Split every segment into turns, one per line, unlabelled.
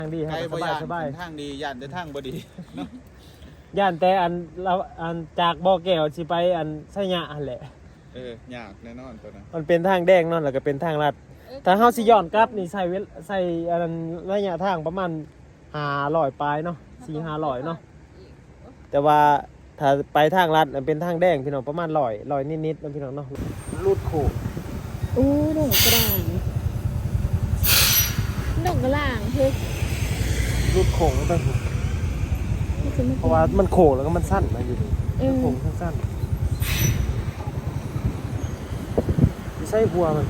ทางดีครับสบาย
ทางดีย่านแต่ทางบ่ดี
ย่านแต่เราจากบ่อแก้วสิไปไสยะหั่นแหละ
ยากแน่นอนตัวนั้น
มันเป็นทางแดงเนาะแล้วก็เป็นทางลัดถ้าเฮาสิย้อนกลับนี่ใส่ระยะทางประมาณ500ปลายเนาะ4-500เนาะแต่ว่าถ้าไปทางลัดเป็นทางแดงพี่น้องประมาณ100นิดๆนะพี่น้องเนาะลูดโขก
ดอกกระด่างดอกกระด่างเฮ้ย
ลูดโขกต้องเพราะว่ามันโขกแล้วก็มันสั้นนะอยู่นี่โขกสั้นๆใส่หัวมัน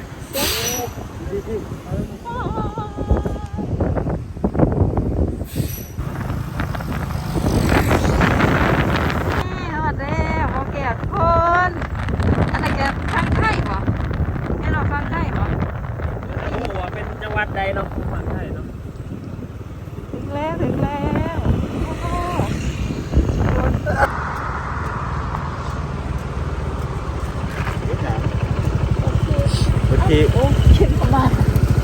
วัดใดเนาะฝั่งไทยเนาะ
ถึงแล้ว
โอเค
เข็นประมาณ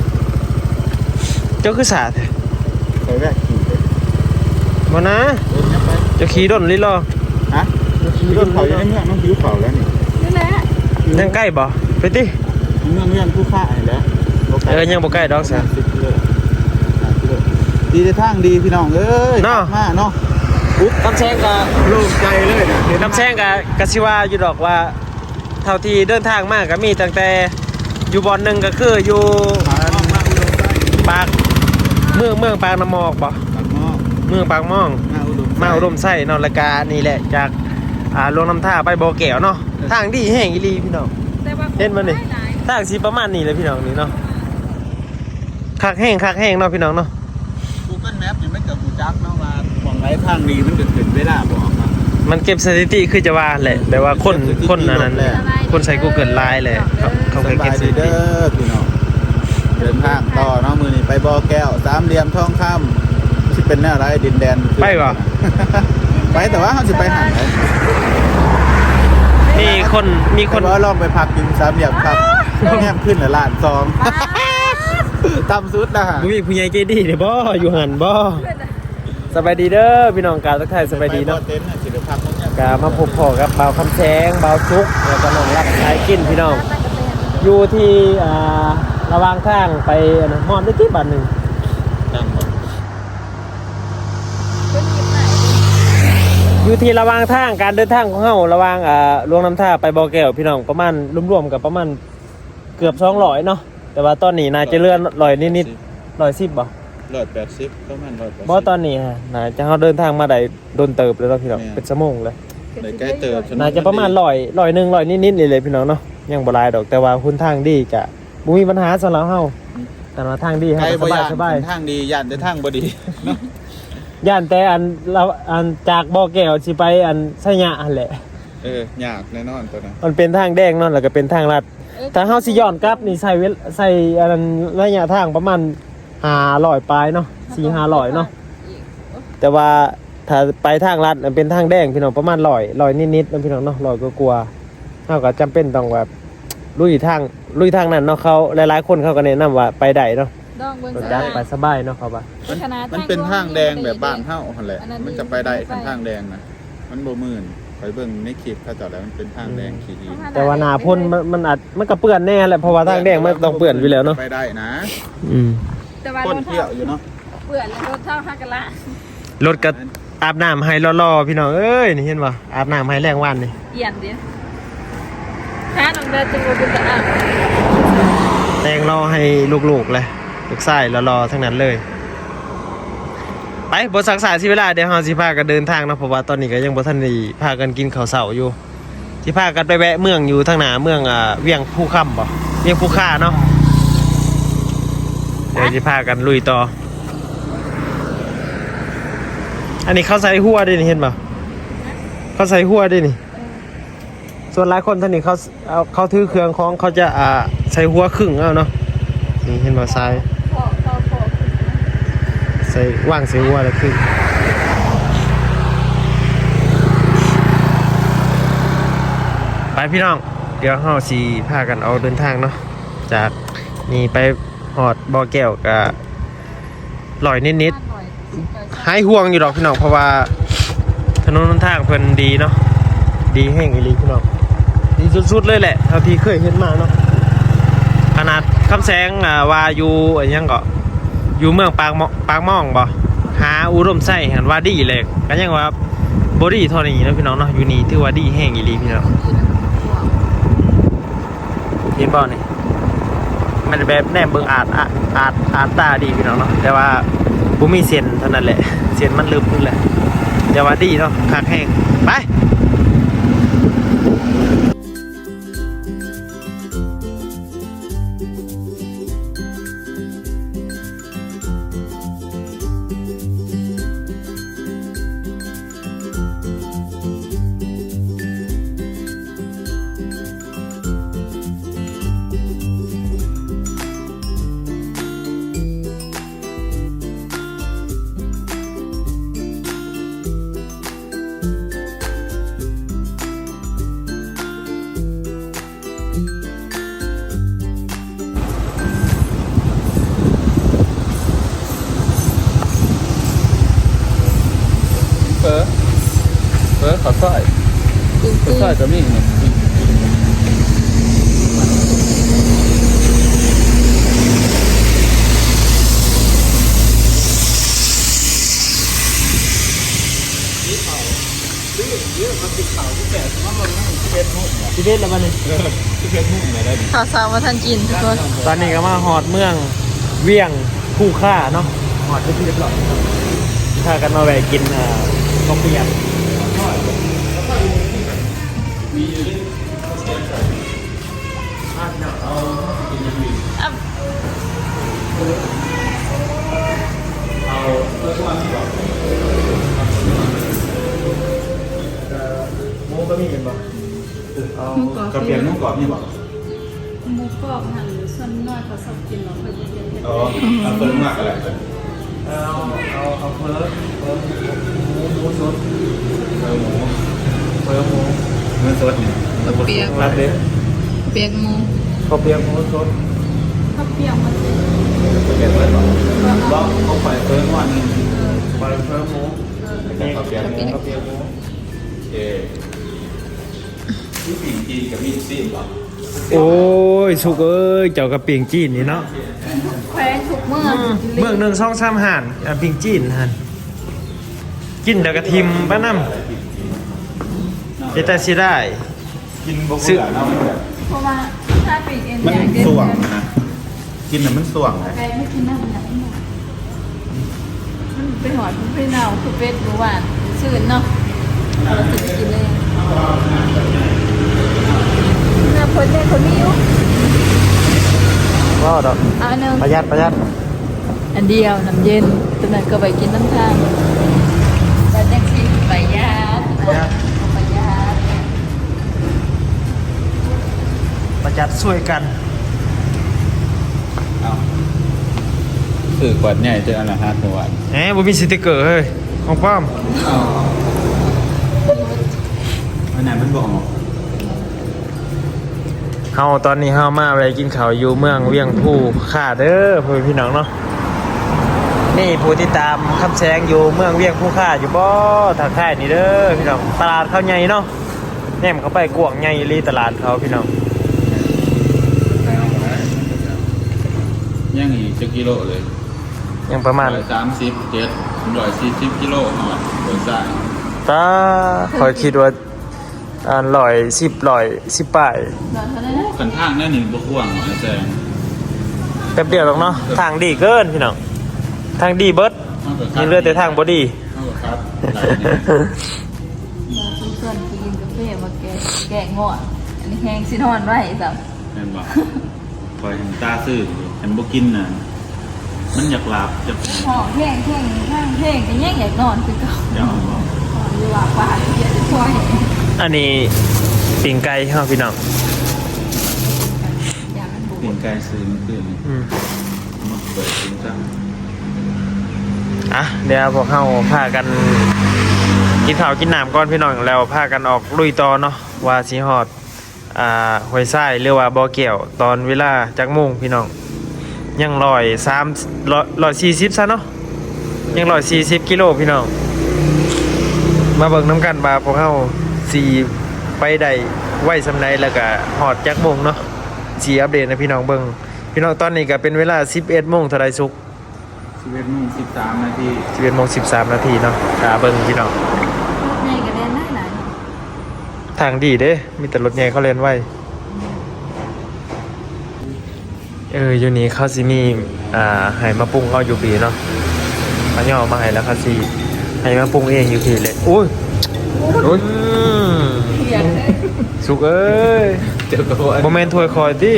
เจ้าคือสาด
ไปแวะขี่เลย
มานะเจ้าขี่ดนลิลอ
ฮะขี่ดนเขาอยู่ในเมืองน้องผิวเขาแล้ว
นี่แหละ
ยังใกล้บ่ไปติ
เมืองผู้ฆ่าอะไรแล้ว
ยังบ่ใกล้ดอกซะ
ดีในทางดีพี่น้องเอ้ย
เนาะ
มาเนาะ
น้ำแซงก็
โล่งใจเลย
น้ำแซงก็สิว่าอยู่ดอกว่าเท่าที่เดินทางมากก็มีตั้งแต่อยู่บ่อนนึงก็คืออยู่ปากเมืองปากน้ำหมอกบ่เมืองปากม่องมาอุดมไส้นอนละกานี่แหละจากลงน้ำท่าไปบ่อแก้วเนาะทางดีแห้งอีหลีพี่น้องเห็นบ่นี่ทางสิประมาณนี้เลยพี่น้องนี่เนาะคักแห้งเนาะพี่น้องเนาะ
Google Map ยังไม่เกิดหูจักเนาะว่าบอกไรทางดีมันเกิดขึ้นไม่ได้บอก
มันเก็บสถิติคือจะว่าแหละแต่ว่าคนนั้นคนใช้ Google ไลน์เลยเขาเคยเก็บสถิติ
พี่น้องเดินทางต่อเนาะมือนี้ไปบ่อแก้วสามเหลี่ยมทองคำที่เป็นแนวไรดินแดน
ไปป่ะ
ไปแต่ว่าเขาจะไปหา
มีคน
ว่าลองไปพักกินสามเหลี่ยมครับแง่ขึ้นละล้าน2ต่ำสุดนะฮะ
มีผู้ใหญ่ใจดีเด้อบ่อยู่หันบ่สบายดีเด้อพี่น้องกาทักทายสบายดีเนาะกามาพบพ่อกับเบาคำแสงเบาซุกแล้วก็น้องรักสายกินพี่น้องอยู่ที่ระหว่างทางไปฮอดได้ที่บ้านนึงอยู่ที่ระหว่างทางการเดินทางของเฮาระหว่างลงน้ำท่าไปบ่อแก้วพี่น้องประมาณรวมๆกับประมาณเกือบ200เนาะแต่ว่าตอนนี้น่าจะเลื่อน100นิดๆ110บ่
180ประมาณ180
บ่ตอนนี้ฮะน่าจะเฮาเดินทางมาได้โดนเติบแล้วพี่น้องเป็นชั่วโมงเลย
ใกล้เติบ
น่าจะประมาณ100นิดๆนี่เลยพี่น้องเนาะยังบ่หลายดอกแต่ว่าคุณทางดีกะบ่มีปัญหาสำหรับเฮาแต่ว่าทางดีฮะสบาย
ทางดีย่านแต่ทางบ่ดี
ย่านแต่เราจากบ่อแก้วสิไปไสยะหั่นแหละ
ยากแน่นอนตัวนั้น
มันเป็นทางแดงเนาะแล้วก็เป็นทางลัดถ้าเฮาสิย้อนกลับนี่ใส่ระยะทางประมาณ500ปลายเนาะ4-500เนาะแต่ว่าถ้าไปทางลัดเป็นทางแดงพี่น้องประมาณ100นิดๆนะพี่น้องเนาะ100กว่าๆเฮาก็จำเป็นต้องแบบลุยทางนั้นเนาะเขาหลายๆคนเขาก็แนะนำว่าไปได้เนาะไปสบายเนาะครับว่า
มันเป็นทางแดงแบบบ้านเฮาหั่นแหละมันจะไปได้ทางแดงนะมันบ่มื่นไปเบิ่งในคลิปเขาจอดแล้วมันเป็นทางแดงขี่
แต่ว่าหน้าพ่นมันก็เปื้อนแน่แหละเพราะว่าทางแดงมันต้องเปื้อนอยู่แล้วเนาะ
ไปได้นะ
แต่ว่า
คนเที่ยวอยู่เนาะ
เปื้อนแล้วรถเท่าฮักกันละ
รถก็อาบน้ำให้รอๆพี่น้องเอ้ยนี่เห็นบ่อาบน้ำให้แรงวันนี่
เอียนดิถ้าน้องเดินจึงบ่เป็นตาอาบ
แต่งรอให้ลูกๆเลยลูกชายรอทั้งนั้นเลยไปบ่สักษาสิเวลาเดี๋ยวเฮาสิพากันเดินทางเนาะเพราะว่าตอนนี้ก็ยังบ่ทันได้พากันกินข้าวเช้าอยู่สิพากันไปแวะเมืองอยู่ทางหน้าเมืองเวียงภูค่ำบ่เวียงภูค่าเนาะเดี๋ยวสิพากันลุยต่ออันนี้เขาใส่หัวด้วยนี่เห็นป่ะเขาใส่หัวด้วยนี่ส่วนหลายคนท่านนี่เขาถือเครื่องของเขาจะใส่หัวครึ่งเอาเนาะนี่เห็นป่ะใส่ว่างใส่หัวแล้วครึ่งไปพี่น้องเดี๋ยวเราสิพากันเอาเดินทางเนาะจากนี่ไปหอดบ่อแก้วกับลอยนิด
หน่อย
ๆหายห่วงอยู่ดอกพี่น้องเพราะว่าถนนหนทางเพิ่นดีเนาะดีแห้งอีหลีพี่น้องดีสุดๆเลยแหละเท่าที่เคยเห็นมาเนาะขนาดคำแสงว่าอยู่อันยังก็อยู่เมืองปากม่องบ่หาอุดมไส้เห็นว่าดีเลยก็ยังว่าบ่ดีเท่านี้เนาะพี่น้องเนาะอยู่นี่ถือว่าดีแห้งอีหลีพี่น้องเห็นบ่นี่มันแบบแนมเบิ่งอาจตาดีพี่น้องเนาะแต่ว่าบ่มีเส้นเท่านั้นแหละเส้นมันลึกนึงแหละแต่ว่าดีเนาะคักแห้งไป
เฟอขอสร้อย
จริง
ขอสร้อยก็มีเนี่ย
ชีวิตแล้วบัดนี้
ข่าวสารมาทันกินทุกคน
ตอนนี้ก็มาฮอดเมืองเวียงคู่ค่าเนาะฮอดที่เรียบร้อยพากันมาแวะกินข้าวเปียก
อ่ะ
หมูก็มีเห็นบ่เอา
กระเปียกนุ่งกรอบนี่บอก
หมูกรอบหั่นส่วนน้อยเขาชอบกินเราเคยกินเผ็ด
อ๋อเอาเปิ้ลมากอะไรกัน
เอาเพิ่มหมูสด
หมู
เพิ่มหมู
เนื้อสดเนี่ย
เปียก
รับเด็ด
เปียกหมู
ข้าวเปียกหมูสด
ข้าวเปียกมันจะ
กระเปียกเลยบอกบอกเขาปล่อยเปิ้ลวันนึง
ไปเพิ่มหมู
แต่กระเปียกหมู
ข้าวเปียกหมู
ที่ปิ่งจีนกับมีซีมบอก
โอ้ยสุกเอ้ยเจ้ากระปิงจีนนี่เนาะ
แขวนทุกเมื่อ
เมืองหนึ่งช่องซ้ำห่านปิงจีนหันกินเดยวกระทิมป้าน้ำเจตาสิได้
กินบะหมี่เนาะ
เพราะว่าถ้าปีกเอ็น
มัน
อย่างเด่น
ส่วงนะกินน่ะมันส่วงนะ
แกไม่กินน้ำหนักมันไปหอดมันไปเน่าคือเป็ดหรือหวานชื่นเนาะเราจะกินเลยน่าพ้นได้คนนี้อยู่
ก็ดอก
เอาหนึ่ง
ประหยัด
อันเดียวน้ำเย็นตัวนั้นก็ไปกินน้ำทาง
แต่แท็กซี่ไปยาด
ประหยัด
ไปยาด
ประหยัดช่วยกัน
เอาสื่อกวดใหญ่เจออันละ5ตัว
แหมบ่มีสติกเกอร์เฮ้ยของป้อม
อันไหนมันบอก
เฮาตอนนี้เฮามาไปกินข้าวอยู่เมืองเวียงภูค่าเด้อพ่อพี่น้องเนาะนี่ผู้ที่ตามคำแสงอยู่เมืองเวียงภูค่าอยู่บ่ทางค่ายนี่เด้อพี่น้องตลาดเขาใหญ่เนาะแนมเข้าไปกว้างใหญ่อีหลีตลาดเขาพี่น้อง
ย่างอีกจะกิโลเลย
ยังประมาณ
137 140กิโลหอดโดยสาย
ตาคอยคิดว่า110ป้าย
หลอดเท่านั้นนะ
กันทางนั่นนี่บ่ควงไอ้แซง
แป๊บเดียวหรอกเนาะทางดีเกินพี่น้องทางดีเบิดมีเลือดแต่ทางบ่ดี
เอาครับหลายเนี่ย
เราทุกส่วนกินกาแฟมาแกงงออันนี้แห้งซินอนไว้สับ
แม่นบอกคอยเห็นตาซื่อเห็นบ่กินน่ะมันอยากหลับจะ
ห้องแห้งแห้งข้างแห้งก็แย่งอยากนอนคือเก่า
อยากบอก
นอนอยู่ว่าป่าเดี๋ยวจะช่วย
อันนี้ปิ่งไก่เฮาพี่น้อง
อย่างนั้นบุ
เปลี่ยนกายซื้อมันขึ้น
อืม
มาเปิดกินซะ
อ่ะเดี๋ยวพวกเฮาพากันกินข้าวกินน้ำก่อนพี่น้องแล้วพากันออกลุยต่อเนาะว่าสิฮอดห้วยทรายหรือว่าบ่อแก้วตอนเวลาจักโมงพี่น้องยัง140ซะเนาะยัง140กิโลพี่น้องมาเบิ่งน้ำกันว่าพวกเฮาสิไปได้ไว้สำใดแล้วก็ฮอดจักโมงเนาะสิอัปเดตให้พี่น้องเบิ่งพี่น้องตอนนี้ก็เป็นเวลา 11:00 นเท่าใดสุก
11:13 นาที
11:13 นาทีเนาะเบิ่งพี่น้อง
ใหญ่กับแดนได้หลาย
ทางดีเด้มีแต่รถใหญ่เขาเล่นไว้อยู่นี่เขาสิมีให้มาปรุงเขาอยู่ปีเนาะเขาย่อมาให้แล้วเขาสิให้มาปรุงเองอยู่ปีเลยอุ้ย
โอ้ย
อยากได้
สุกเอ้ย
เจอตัว
โมเมนต์ถวยคอยดิ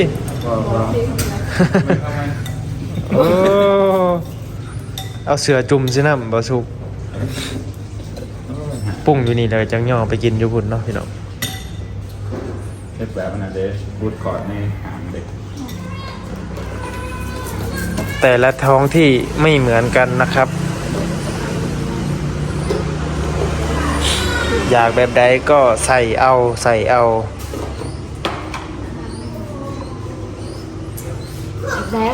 โอ้เอาเสือจุ่มซิน้ำบ่สุกปรุงอยู่นี่เลยจังย่อไปกินอยู่พุ่นเนาะพี่น้อง
เฮ็ดแบบนั้นเด้บูทก่อนในหางเด็ก
แต่ละท้องที่ไม่เหมือนกันนะครับ อยากแบบใดก็ใส่เอา
แล้ว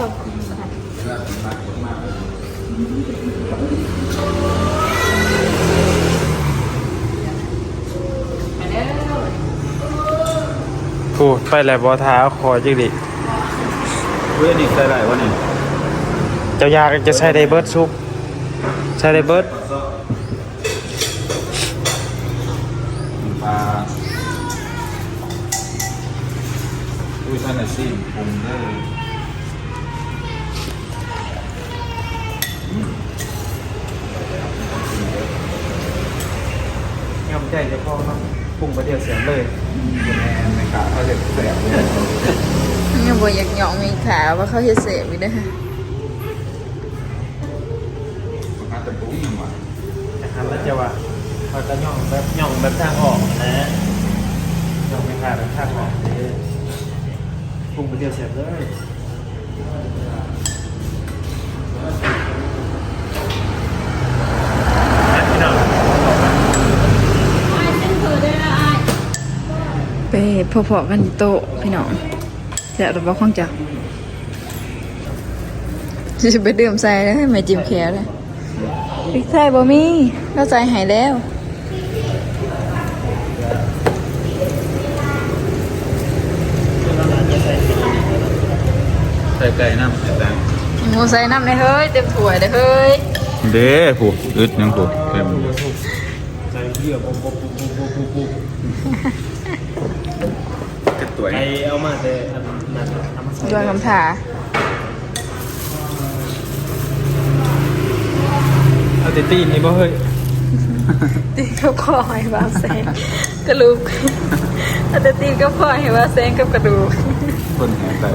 พูดไปแล้วบ่ท้าคอจิกดิ
เว้ยนี่ใส่ไรวะนี่
เจ้ายากจะใช้ได้เบิร์ดซุปใช้ได้เบิร์ด
ปลาอุ้ยท่านน่ะสิปรุงได้
ยำใจจะพอเนาะปรุงประเดี๋ยวเสียเลย
แม่ในกาเขาเด็ดแสบเลย
ยังบ่อยากหยองมีขาว่าเขาเฮ็ดเสพอีกเด้อ
มาแต่ปุ้งว่ะ
นะครับแล้วจะว่าเขาจะย่องแบบทางออกนะย่องไม่ขาดแบบทางออกเลยปรุงประเดี๋ยวเสียเลยพี่น้อง
ไปพอๆกันโตะพี่น้องแซ่บหรือบ่ของจักสิไปดื่มใส่แล้วให้แม่จิ้มแขวเลยพริกไทยบ่มีเราใส่ให้แล้ว
ใส่ไก่น้ำใส่แตง
หมูใส่น้ำในเฮ้ยเต็มถ้วยเด้อเฮ้ย
เด้ผู้อึดยังผู้เต็ม
ใส่เยื่อปุ๊บ
กระตัว
ไอเอามาแต่อันนั้นเอามาใส่
ดวงคำถา
เอาแต่ตีนนี่บ่เฮ้ย
ตีกับคอให้ว่าแซงกระดูกอาจจะตีกับคอให้ว่าแซงกับกระดูก
คนแห่แต่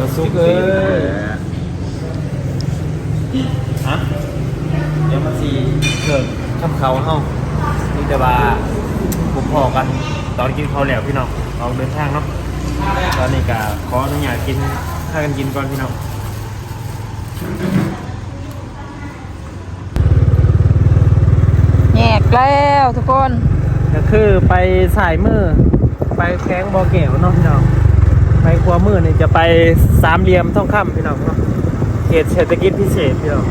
ฮะเดี๋ยวมาสีเกิดข้ามเขาเฮานี่แต่ว่าผมพอกันตอนกินข้าวแล้วพี่น้องออกเดินทางเนาะตอนนี้ก็ขออนุญาตกินถ้ากันกินก่อนพี่น้อง
แยกแล้วทุกคน
ก็คือไปสายมือไปแข้งบ่อแก้วเนาะพี่น้องไปขวามือนี่จะไปสามเหลี่ยมทองคำพี่น้องเนาะเขตเศรษฐกิจพิเศษพี่น้อง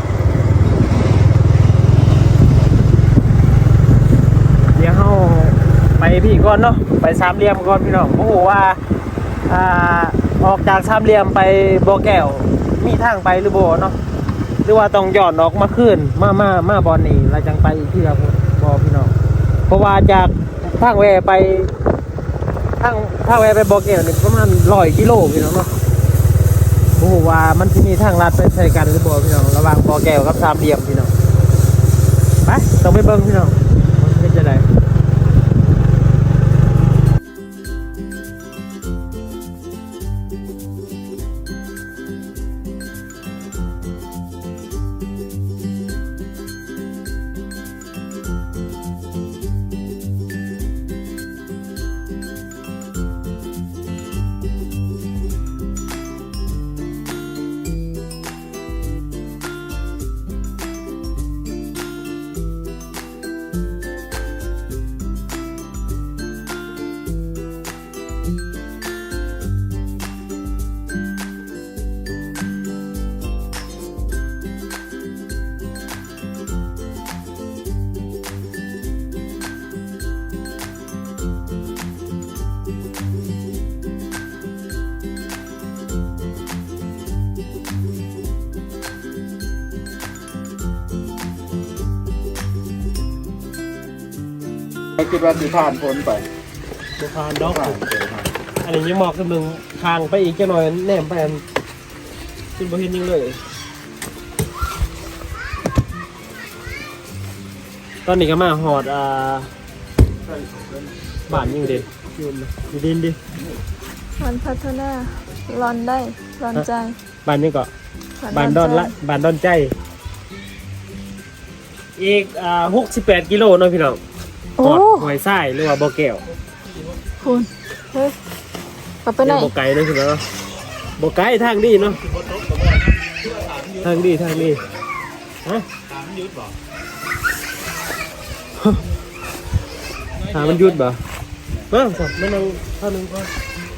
เดี๋ยวเฮาไปพี่ก่อนเนาะไปสามเหลี่ยมก่อนพี่น้องโอ้โหว่าออกจากสามเหลี่ยมไปบ่อแก้วมีทางไปหรือบ่เนาะหรือว่าต้องย้อนออกมาขึ้นมาบอลนี่เราจังไปอีกที่ครับบ่พี่น้องเพราะว่าจากทางแวไปทางแวไปบ่อแก้วนี่ประมาณ100 กิโลพี่น้องเนาะโอ้โหว่ามันที่มีทางลัดไปใช้กันหรือบ่พี่น้องระหว่างบ่อแก้วกับสามเหลี่ยมพี่น้องไปต้องไปเบิ่งพี่น้องมันเป็นจะได
ไม่คิดว่าสิผ่านพ้นไป
บ่ผ่านดอก
ผ่านเจอผ่าน
อันนี้ยังหมอกกำลังทางไปอีกจักหน่อยแนมไปอันจนบ่เห็นหยังเลย ตอนนี้ก็มาหอดบ้านอยู่ดิอยู่ดินดิ
มันพัฒนาร้อนได้ร้อนใจ
บ้านนี้ก็บ้านดอนละบ้านดอนใจ อีก68กิโลเนาะพี่น้อง
โอ้
หอดหอยทรายหรือว่าบ่อแก้ว
คุณเฮ้ยกลับไปไหน
บ่ไกลเนาะพี่น้องบ่ไกลทางดีเนาะทางดีฮะถามมันหยุดบ่มาสับมันเอาเท่านึงก่อน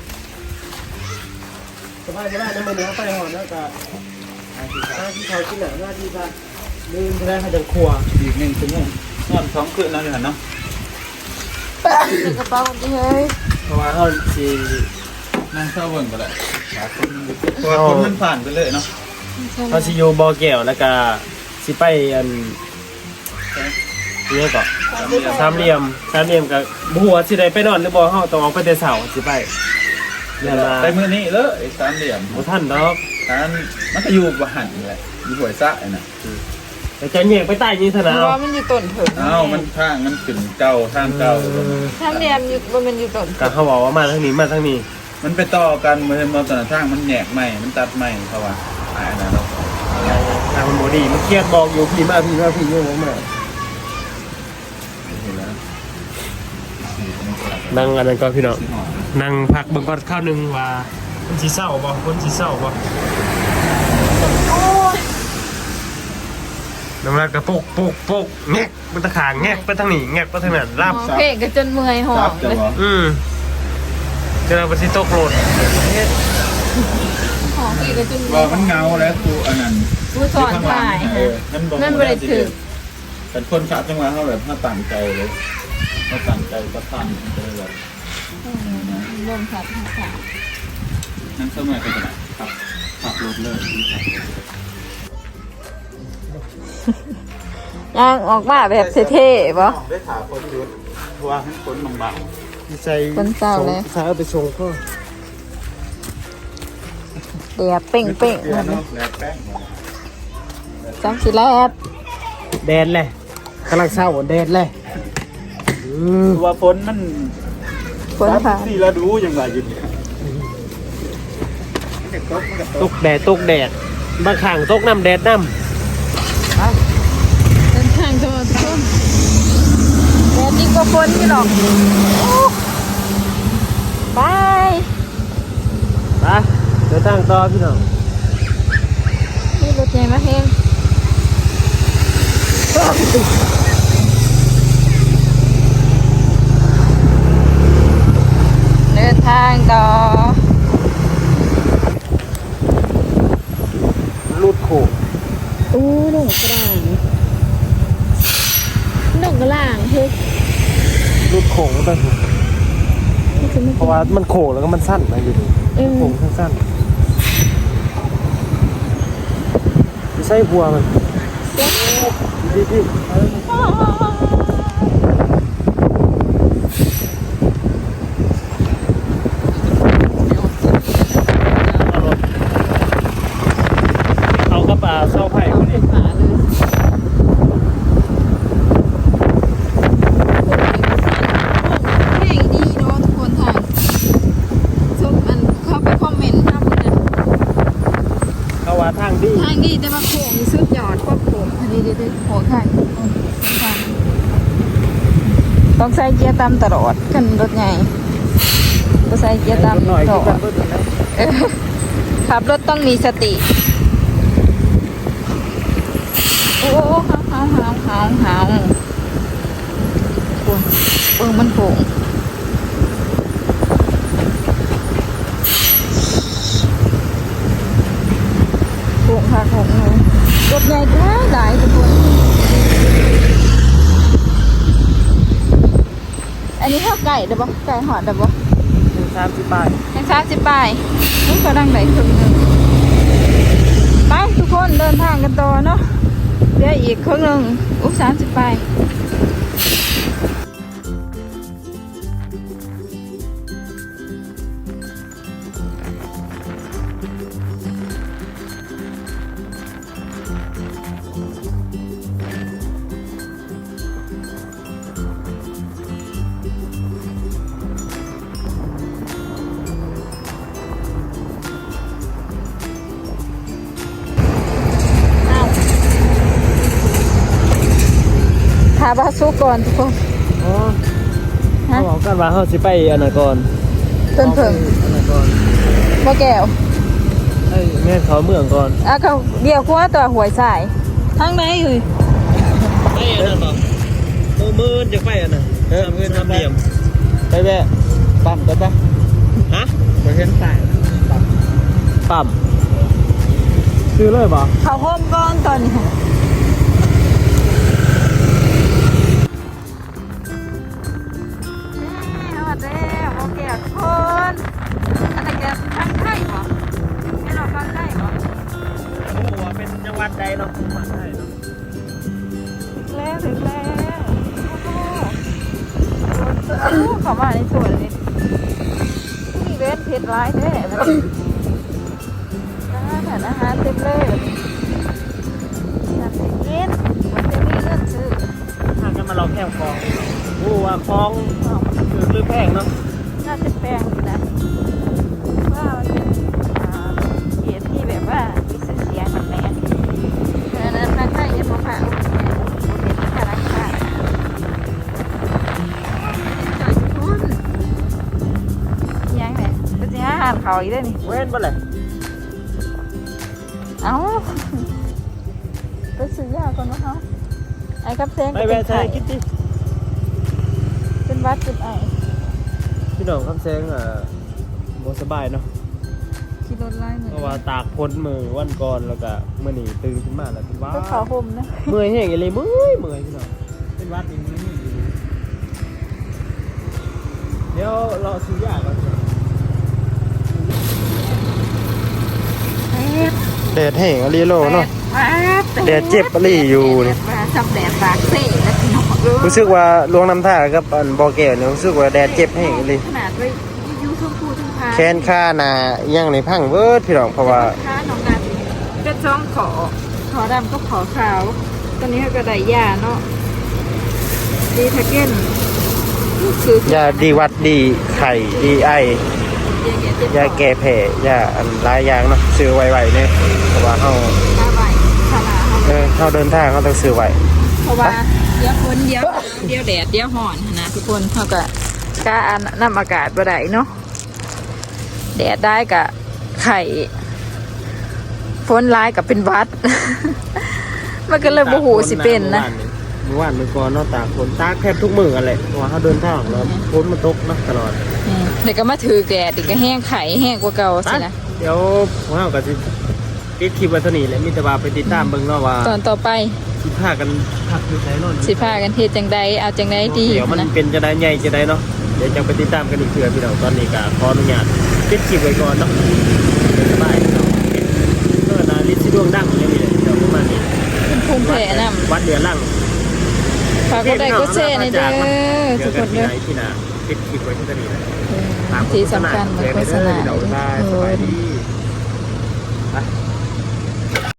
สบายน้ำมันเนื้อไปหอดแล้วก็หน้าที่เขากินหน้าที่ว่าลืมไปแล้วเขาจะครัว
อีก1 ชั่วโมงนอน2 คืนแล้วอยู่หั่นเนาะ
ใส่กระเป๋าดิเฮ้ย
เพราะว่าเขาสิ
นั่งเศร้าเบิ่งก็ได้หาคนเพราะว่าคนมันผ่านไปเลยเนาะ
เขาสิอยู่บ่อแก้วแล้วก็สิไปอันนี่ก็สามเหลี่ยมกับบัวสิได้ไปนอนหรือบ่เฮาต้องออกไปแต่เช้าสิไปเนี่ยล่ะ
ไปมื้อนี้เลยไอ้สามเหลี่ยม
บ่ทันดอก
ทานมันก็อยู่บ่หันนี่แหละอยู่ห้วยซะไอ้น่ะ
แต่จะแยกไปใต้นี่ซะ
เพ
นะ
ราะว่ามันอยู่ต้นเถิง
อ้าวมันทางมันขึ้นเก่าทางเก่า
ถ้าเรียมอยู่ว่ามันอยู่ต้น
ก็เขาบอกว่ามาทางนี้มาทางนี้
มันไปต่อกันเหมือนมอเตอร์ทางมันแหนกใหม่มันตัดใหม่เขาว่าอันนั้นเนาะ
ทางมันบ่ดีมันเครียดบอกอยู่พี่มาอยู่มานั่งอันนั้นก็พี่น้องนั่งพักเบิ่งก่อนข้าวนึงว่าคนสิเศร้าบ่น้ำลายกระปุกแงกมันตะขางแงกไปทางนี้แงกไปทางนั้นรับ
เพลงก็จนเมื่อยหอ
จั
บบ
จะ
เลย
บ่
เจอปฏิโตโกรธ
หอมเพลงก็จน
ว่ามันเงาแล้วกูอันนั้น
ผู้สอนถ่าย นั่นบ่ได้ถึก
เป็นคนขับจังหวะเขาแบบถ้าตั้งใจเลยเขาตั้งใจก็ทำไปเลย
รวมสัตว์ค่ะ
นั่นสมัยก็จะขับรถเลย
ย่างออกมาแบบเท่ๆป่ะ
ได้ถามคนยุดว่าให้คนบาง
ใส่ใส่เอาไปส่งก็
เดียบเป่ง
ๆเนาะแล้วแป้ง
จังสิแลบ
แดดเลยกำลังเศร้าแดดเลย
ว่าฝนมัน
คนผ่าน
สี่ฤดูยังไงอยู่เนี่ย
ตกแดดบางข้างตกน้ำแดดน้ำ
เดินทางจังหวัดต้นแดดยิ่งกว่าฝนพี่หรอกบาย
ไปเดี๋ยวตั้งต่อพี่น้อง
นี่รถใหญ่มาเฮงเดินทางต่อ
รูดโขก
อู้หนุ่มกระด่างหนุ่มกระด่างเฮ้ย
รูดโขงไปเพราะว่ามันโขงแล้วก็มันสั้นนะอยู่นี่โขงสั้นๆไม่ใช่บัวมันพี่เอากระป๋าเศร้าไผ่คนนี้
ขาเลยเพลงดีเนาะทุกคนทางส้มมันเข้าไปคอมเมนต์นะมันนะ
เขาว่าทางดี
ทางดีแต่ว่าโค้งมีสุดยอดกว่าโค้งอันนี้เด็ดๆโค้งค่ะต้องใส่เกียร์ตามตลอดกันรถใหญ่ต้องใส่เกียร์ตาม
หน่อย
ต
ที่
ลอ
กัน
ด
เพิ่นนะ
ขับรถต้องมีสติโอ้หาวมันโค้งโค้งค่ะโค้งเลยรถใหญ่ท้าหลายทุกคนอันนี้ข้าวไก่เด้อปะไก่หอดเด้อปะ
30 บาท
ยัง30 บาทนี่ก็ดังไหนครึ่งหนึงไปทุกคนเดินทางกันต่อเนาะเดี๋ยวอีกครึ่งหนึง30 บาทาบาสุก่อนทุกคน
อ๋อ
ฮะ
เขาบอกกันว่าเขาสิไปอันนั้นก่อน
เพิ่นเพิ่ง
อันนั้นก่อน
บ่แก้ว
ไอ้แม่เขาเมืองก่อน
อ่ะก็เดี๋ยวกว่าตัวหวยสายทางไหนเอ้ย
ไอ้อันนั้นบ่มือจะไปอันนั้นมือทำเหลี่ยม
ไปแวะปั๊มกันปะ
ฮะ
ไปเห็นสายปั๊ม
ปั๊มซื้อเลยบ่
เข้าโฮมก่อนตอนนี้สวัสดีโอเคทุกคนอันนี้แกทางไทยเหรอให้เราฟังไทยเหรอ
โอ้ว่าเป็นจังหวัดใดเนาะมาใช่เนาะ
ถึงแล้วโอ้โหเข้ามาในสวนเลยมีเว้นเพชรร้ายแท้แบบอาหารเต็มเลยแบบอยากจะกินมันจะมีเรื่องซื้อ
ทางกันมาเราแค่คลองโอ้ว่าคลองคือหรือแพงเนาะ
น่าจะแพงอยู่นะว่ามันเป็นเกียรติที่แบบว่ามีชื่อเสียงแบบแม่เพราะฉะนั้นทางใต้ยังบ่ผ่านเป็นข้าราชการจ่ายทุนยังไงก็จะหาอาหารเขาอีกได้นี่
เว้นบ่เลย
เอ้าไปซื้อยาก่อนนะเขาไอ้กับเซง
ไป
ก็
แวะ
เป็น
ใช้
ไข่
คิดดิ
เป็นวัดเป็นไอ
พี่น้องคำแซงบ่สบายเนาะ
ขี่รถไล่เหมือน
เพราะว่าตากพ้นมือวันก่อนแล้วก็มื้อนี้ตื่นขึ้นมาแล้วเป็นหว่า
ก็ขาห่มนะ
เมื่อยแห้งอีหลีเมื่อยพี่น้องเป็นหวัดอีกนิดนึงเดี๋ยวรอซื้อยาก่อนแดดแห้งอลีโลเนาะแดดเจ็บอลีอยู่นี่
จำแดดปากเซ่แล้วพี่น้อง
รู้สึกว่าลวงน้ำท่ากับอันบ่อแก้วเนี่ยรู้สึกว่าแดดเจ็บแห้งอลี
ขนาดไปยูทุ่งพูทุ่งพา
แขนขาหน้ายังในพังเบิดพี่น้องเพราะว่า
ค้าน้องนาก็จ้องขอดำก็ขอขาว ตอนนี้เขาก็ได้ยาเนาะดีทาเก้นคือย
าดีวัดดีไข่ดีไอยาแก้แพ้ยาอันหลายอย่างเนาะซื้อไวๆเนี่ยเพราะว่าเฮา
ตาใบขนาดเขา
เฮาเดินทางเฮาต้องซื้อไว้
เพราะว่าเดี๋ยวฝนเดี๋ยวแดดเดี๋ยวห่อนนะทุกคนเขาก็กล้าอันน้ำอากาศบ่ได้เนาะแดดได้กับไข่ฝนร้ายกับเป็นหวัด มันก็เลยบ่หูสิเป็นนะ
เมื่อวานเมื่อก่อนเนาะตากฝนตากแทบทุกมื้อกันแหละเพราะว่าเฮาเดินทางแล้วฝนมันตกเนาะตลอด
เดี๋ยวก็มาถือแดดอีกก็แห้งไข่แห้งกว่าเก่าสินะ
เดี๋ยวพวกเราก็สิปิดคลิปไว้เท่านี้แหละมีแต่ว่าไปติดตามเบิ่งเนาะว่า
ตอนต่อไป
สิพากันพักอยู่ไสเนาะ
สิพากันเฮ็ดจังใดเอาจังใดดี
เดี๋ยวมัน
นะ
เป็นจะได้ใหญ่จะได้เนาะเดี๋ยวจะไปติดตามกันอีกเทื่อพี่น้องตอนนี้ก็ขออนุญาตปิดคลิปไว้ก่อนเนาะสบายพี่น้องเออนาลิซดวงดังอย่างนี้เลยเดี๋ยวประมาณนี้
เป็นภูมิแพ้นำ
วัดเดือดล่าง
ฝากกดไลค์กดแชร์ในเด้อ
เดี๋
ทุ
ย
ก
ว
ค
กัน
น
ที่
เด้อ
ไหนที่นาปิดคลิปไว้ที่นี่นะ
ที่สำคัญเหมือนโฆษณา
เดี๋ยวได้สบายดี